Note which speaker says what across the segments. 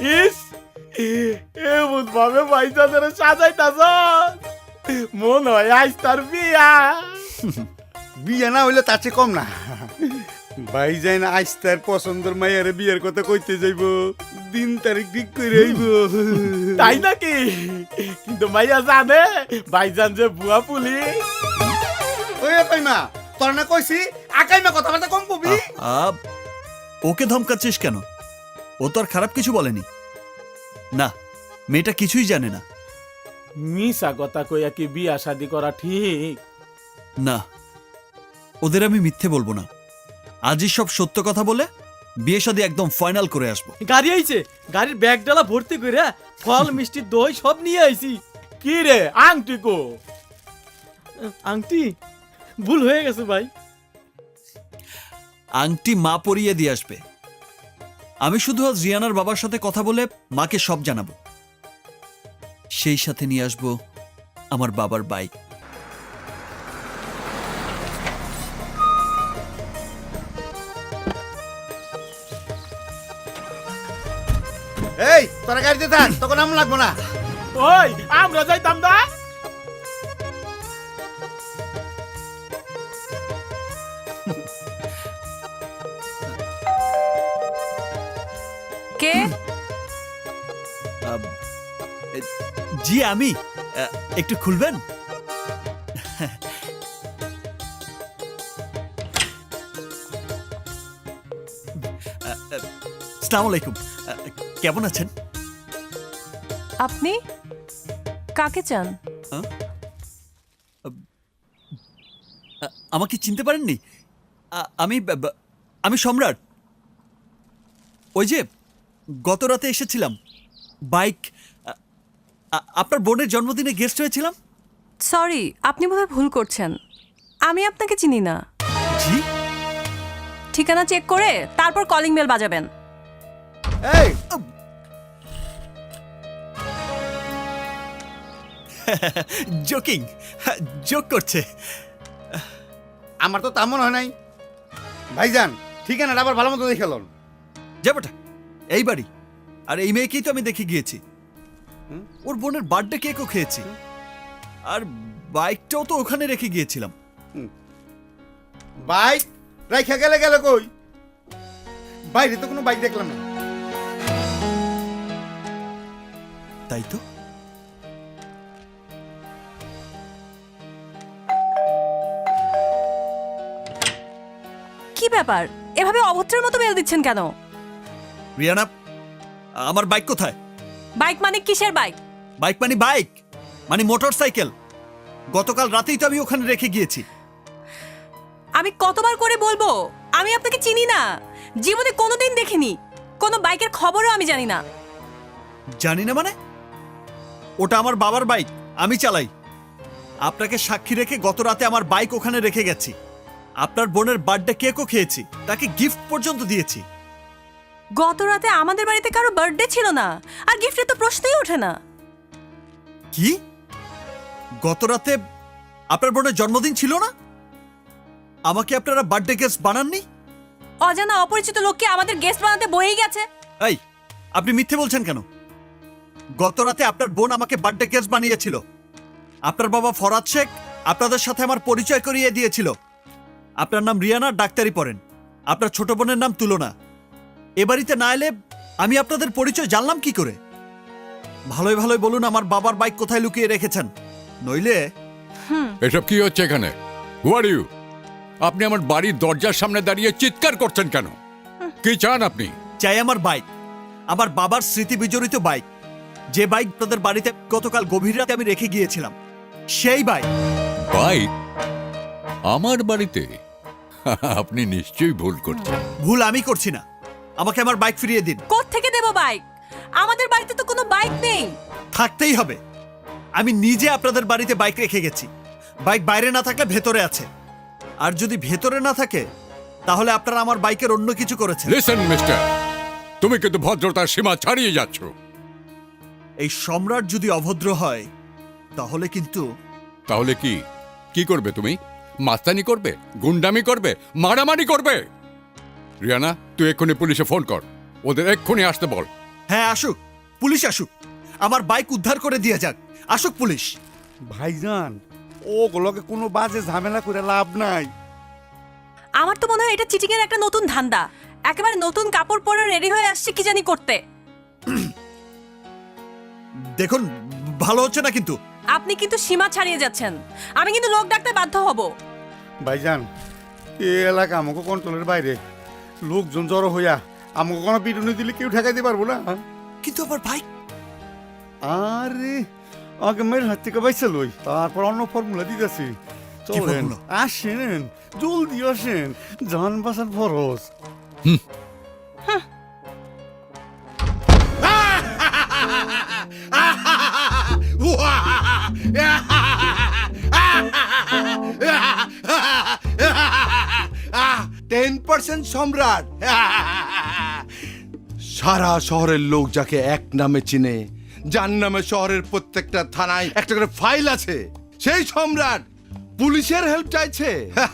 Speaker 1: ইস এমন ভাবে ভাইজানের সাজাইতাছ মন হয় আজ তার বিয়া।
Speaker 2: বিয়া না হইলে তার চেয়ে কম না। ভাইজান আজ তার পছন্দের মাইয়ারে বিয়ের কথা কইতে যাইব, দিন তারিখ ঠিক করে আইব।
Speaker 1: তাই নাকি? কিন্তু মাইয়া জানে ভাইজান যে বুয়া পুলিশ।
Speaker 2: ওই কাইমা তোর না কইছি আকাইমা কথাবার্তা কম কবি।
Speaker 3: ওকে ধমকাচ্ছিস কেন? ও তো আর খারাপ কিছু বলেনি। না, মেয়েটা কিছুই জানে না।
Speaker 1: মিশা কথা কইয়া কি বিয়া শাদি করা ঠিক?
Speaker 3: না, ওদের আমি মিথ্যে বলবো না। আজই সব সত্য কথা বলে বিয়ে শাদী একদম ফাইনাল করে আসবো।
Speaker 4: গাড়ি আইছে, গাড়ির ব্যাগ ডালা ভর্তি কইরা ফল মিষ্টি দই সব নিয়ে আইছি।
Speaker 1: কি রে আংটি কো?
Speaker 4: আংটি ভুল হয়ে গেছে ভাই।
Speaker 3: আংটি মা পরিয়ে দিয়ে আসবে। আমি শুধু আজ রিয়ানার বাবার সাথে কথা বলে মাকে সব জানাবো। সেই সাথে নিয়ে আসবো আমার বাবার বাইক।
Speaker 2: এই তোরা গাড়িতে থাক, তখন আম লাগবো না।
Speaker 1: ওই আমরা যাইতাম না।
Speaker 5: কে?
Speaker 3: জি আমি। একটু খুলবেন? আসসালামু আলাইকুম। কেমন আছেন?
Speaker 5: আপনি কাকে চান?
Speaker 3: আমাকে চিনতে পারেননি? আমি আমি সম্রাট। ওই যে গত রাতে এসেছিলাম, বাইক আপনার বোনের জন্মদিনে গেস্ট হয়েছিলাম।
Speaker 5: সরি, আপনি বোধহয় ভুল করছেন। আমি আপনাকে চিনি না।
Speaker 3: জি?
Speaker 5: ঠিকানা চেক করে তারপর কলিং বেল বাজাবেন।
Speaker 2: এই
Speaker 3: জোকিং, জোক করছে।
Speaker 2: আমার তো তেমন হয় নাই। ভাইজান ঠিকানাটা আবার ভালো মতো দেখে লন।
Speaker 3: যাবোটা এই বাড়ি, আর এই মেয়েকেই তো আমি দেখে গিয়েছি। ওর বোনের বার্থডে কেকও খেয়েছি, আর বাইকটাও তো ওখানে রেখে গিয়েছিলাম।
Speaker 2: বাইক রাইখা গেলে গেলে কই? বাইরে তো কোনো বাইক দেখলাম না।
Speaker 3: তাই তো।
Speaker 5: কি ব্যাপার, এভাবে অভদ্রের মতো বেল দিচ্ছেন কেন?
Speaker 3: রিয়ানা, আমার বাইক কোথায়?
Speaker 5: বাইক মানে কিসের বাইক?
Speaker 3: বাইক মানে মোটর সাইকেল। গতকাল রাতেই তো আমি ওখানে রেখে গিয়েছি।
Speaker 5: আমি কতবার করে বলবো আমি আপনাকে চিনি না, জীবনে কোনোদিন দেখিনি, কোনো বাইকের খবরও আমি জানি না।
Speaker 3: জানি না মানে? ওটা আমার বাবার বাইক, আমি চালাই। আপনাকে সাক্ষী রেখে গত রাতে আমার বাইক ওখানে রেখে গেছি। আপনার বোনের বার্থডে কেকও খেয়েছি, তাকে গিফট পর্যন্ত দিয়েছি।
Speaker 5: গত রাতে আমাদের বাড়িতে কারো বার্থডে ছিল না, আর গিফটের তো প্রশ্নই ওঠে না।
Speaker 3: কি? গত রাতে আপনার বোনের জন্মদিন ছিল না? আমাকে আপনারা বার্থডে গেস্ট বানাননি?
Speaker 5: অজানা অপরিচিত লোককে আমাদের গেস্ট বানাতে বয়েই গেছে।
Speaker 3: এই, আপনি মিথ্যে বলছেন কেন? গত রাতে আপনার বোন আমাকে বার্থডে গেস্ট বানিয়েছিল। আপনার বাবা ফরাদ শেখ আপনাদের সাথে আমার পরিচয় করিয়ে দিয়েছিল। আপনার নাম রিয়ানা, ডাক্তারি পড়েন। আপনার ছোট বোনের নাম তুলনা। এ বাড়িতে না এলে আমি আপনাদের পরিচয় জানলাম কি করে? ভালোই ভালোই বলুন আমার বাবার বাইক কোথায় লুকিয়ে রেখেছেন, নইলে।
Speaker 6: এসব কি হচ্ছে এখানে? Who are you? আপনি আমার বাড়ির দরজার সামনে দাঁড়িয়ে চিৎকার করছেন কেন? কি চান আপনি?
Speaker 3: চাই আমার বাইক, আমার বাবার স্মৃতি বিজড়িত বাইক, যে বাইক তাদের বাড়িতে গতকাল গভীর রাতে আমি রেখে গিয়েছিলাম, সেই বাইক।
Speaker 6: বাইক আমার বাড়িতে? আপনি নিশ্চয়ই ভুল করছেন।
Speaker 3: ভুল আমি করছি না, আমাকে আমার বাইক ফিরিয়ে দিন।
Speaker 5: কোত্থেকে দেব বাইক? আমাদের বাড়িতে তো কোনো বাইক নেই।
Speaker 3: থাকতেই হবে। আমি নিজে আপনাদের বাড়িতে বাইক রেখে গেছি। বাইক বাইরে না থাকলে ভেতরে আছে, আর যদি ভেতরে না থাকে তাহলে আপনারা আমার বাইকের অন্য কিছু করেছেন।
Speaker 6: লিসেন মিস্টার, তুমি কিন্তু ভদ্রতার সীমা ছাড়িয়ে যাচ্ছ।
Speaker 3: এই সম্রাট যদি অভদ্র হয় তাহলে কিন্তু।
Speaker 6: তাহলে কি কি করবে তুমি? মাস্তানি করবে, গুন্ডামি করবে, মারামারি করবে? রিয়ানা, তুই এক্ষুনি পুলিশে ফোন কর, ওদের এক্ষুনি আসতে বল।
Speaker 3: হ্যাঁ আসুক, পুলিশ আসুক, আমার বাইক উদ্ধার করে দিয়ে যাক। আসুক পুলিশ।
Speaker 2: ভাইজান ওগুলোকে কোনো বাজে ঝামেলা করে লাভ নাই।
Speaker 5: আমার তো মনে হয় এটা চিটিং এর একটা নতুন ধান্দা। একেবারে নতুন কাপড় পরে রেডি হয়ে আসছে কি জানি করতে।
Speaker 3: দেখুন ভালো হচ্ছে না কিন্তু।
Speaker 5: আপনি কিন্তু সীমা ছাড়িয়ে যাচ্ছেন। আমি কিন্তু লোক ডাকতে বাধ্য হব।
Speaker 2: ভাইজান এই এলাকা আমাকে কন্ট্রোলের বাইরে, লোকজন জড়ো হইয়া আমাকে কোনো পিটুনি দিলে কেউ ঠেকাইতে পারবো না।
Speaker 3: কিন্তু আমার বাইক।
Speaker 2: আরে আগে মেয়ের হাত থেকে বাইসা লই, তারপর অন্য ফর্মুলা দিতেছি। চলেন
Speaker 3: formula?
Speaker 2: আসেন, জলদি আসেন, জান বাঁচার ফরজ।
Speaker 7: সম্রাট সারা শহরের লোক যাকে এক নামে চিনে, যার নামে শহরের প্রত্যেকটা থানায় একটা করে ফাইল আছে, সেই সম্রাট পুলিশের হেল্প চাইছে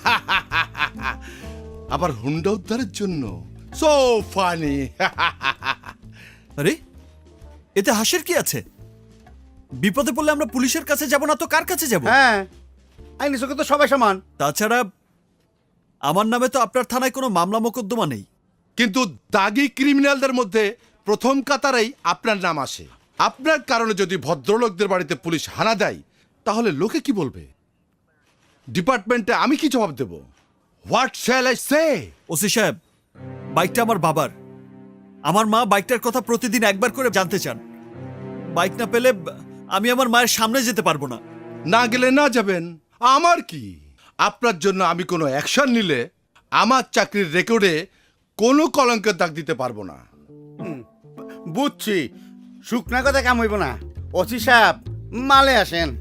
Speaker 7: আবার হুন্ডা উদ্ধারের জন্য। So funny.
Speaker 3: আরে এতে হাসির কি আছে? বিপদে পড়লে আমরা পুলিশের কাছে যাব না তো কার কাছে যাব?
Speaker 2: হ্যাঁ আইনি চোখে তো সবাই সমান।
Speaker 3: তাছাড়া আমার নামে তো আপনার থানায় কোনো মামলা মোকদ্দমা নেই।
Speaker 7: কিন্তু দাগি ক্রিমিনালদের মধ্যে প্রথম কাতারেই আপনার নাম আসে। আপনার কারণে যদি ভদ্রলোকদের বাড়িতে পুলিশ হানা দেয় তাহলে লোকে কি বলবে? ডিপার্টমেন্টে আমি কি জবাব দেব? What shall I say?
Speaker 3: OC সাহেব, বাইকটা আমার বাবার। আমার মা বাইকটার কথা প্রতিদিন একবার করে জানতে চান। বাইক না পেলে আমি আমার মায়ের সামনে যেতে পারবো না।
Speaker 7: না গেলে না যাবেন, আমার কি? আপনার জন্য আমি কোনো অ্যাকশন নিলে আমার চাকরির রেকর্ডে কোনো কলঙ্কের দাগ দিতে পারবো না।
Speaker 2: বুঝছি, শুকনা কথা কাম হইব না। ওসি সাহেব মালে আসেন।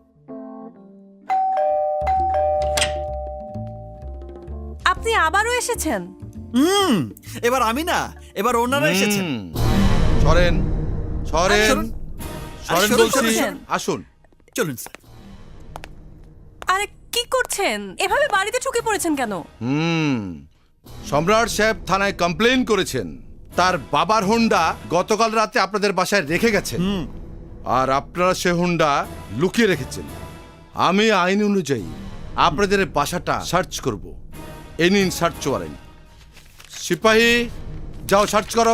Speaker 5: আপনি আবারও এসেছেন।
Speaker 3: এবার আমি না, এবার ওনারা এসেছেন।
Speaker 7: সরেন সরেন
Speaker 3: সরুন।
Speaker 7: সরেন
Speaker 3: সরুন,
Speaker 7: বলছি,
Speaker 5: সরুন।
Speaker 7: আসুন।
Speaker 3: চলুন স্যার।
Speaker 5: আরে কি করছেন? এভাবে বাড়িতে ঢুকে পড়েছেন কেন?
Speaker 7: সম্রাট সাহেব থানায় কমপ্লেন করেছেন তার বাবার হুন্ডা গতকাল রাতে আপনাদের বাসায় রেখে গেছেন, আর আপনারা সে হুন্ডা লুকিয়ে রেখেছেন। আমি আইন অনুযায়ী আপনাদের বাসাটা সার্চ করব। এই নিন সার্চ ওয়ারেন্ট। সিপাহী যাও সার্চ করো।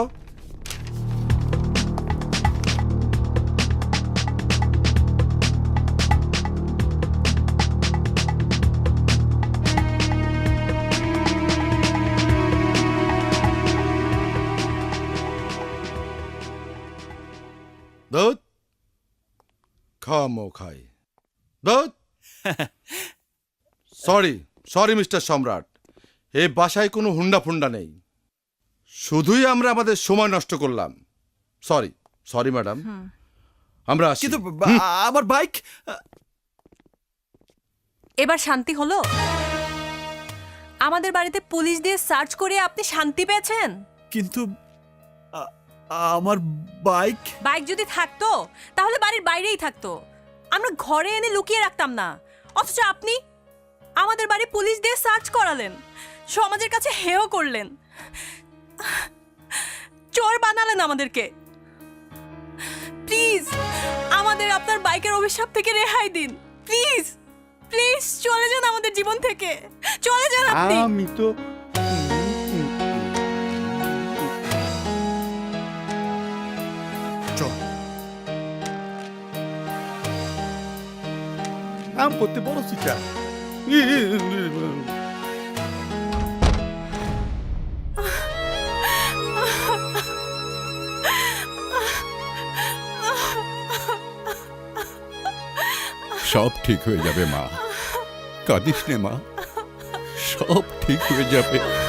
Speaker 7: দুধ খামো খাই দুধ। সরি সরি মিস্টার সম্রাট, এই বাসায় কোনো হুন্ডা ফুন্ডা নেই। শুধুই আমরা আমাদের সময় নষ্ট করলাম। সরি সরি ম্যাডাম, আমরা আসি।
Speaker 3: কিন্তু আমার বাইক।
Speaker 5: এবার শান্তি হলো? আমাদের বাড়িতে পুলিশ দিয়ে সার্চ করে আপনি শান্তি পেয়েছেন?
Speaker 3: কিন্তু আমার বাইক।
Speaker 5: বাইক যদি থাকতো তাহলে বাড়ির বাইরেই থাকতো, আমরা ঘরে এনে লুকিয়ে রাখতাম না। অথচ আপনি আমাদের বাড়ি পুলিশ দিয়ে সার্চ করালেন, সমাজের কাছে হেয় করলেন, চোর বানালেন আমাদেরকে। প্লিজ আমাদের আপনার বাইকের অভিশাপ থেকে রেহাই দিন। প্লিজ প্লিজ চলে যান আমাদের জীবন থেকে, চলে যান আপনি।
Speaker 2: আমি তো
Speaker 3: চল।
Speaker 2: আম করতে বড় চিটা।
Speaker 6: সব ঠিক হয়ে যাবে মা, কাঁদিস নে মা, সব ঠিক হয়ে যাবে।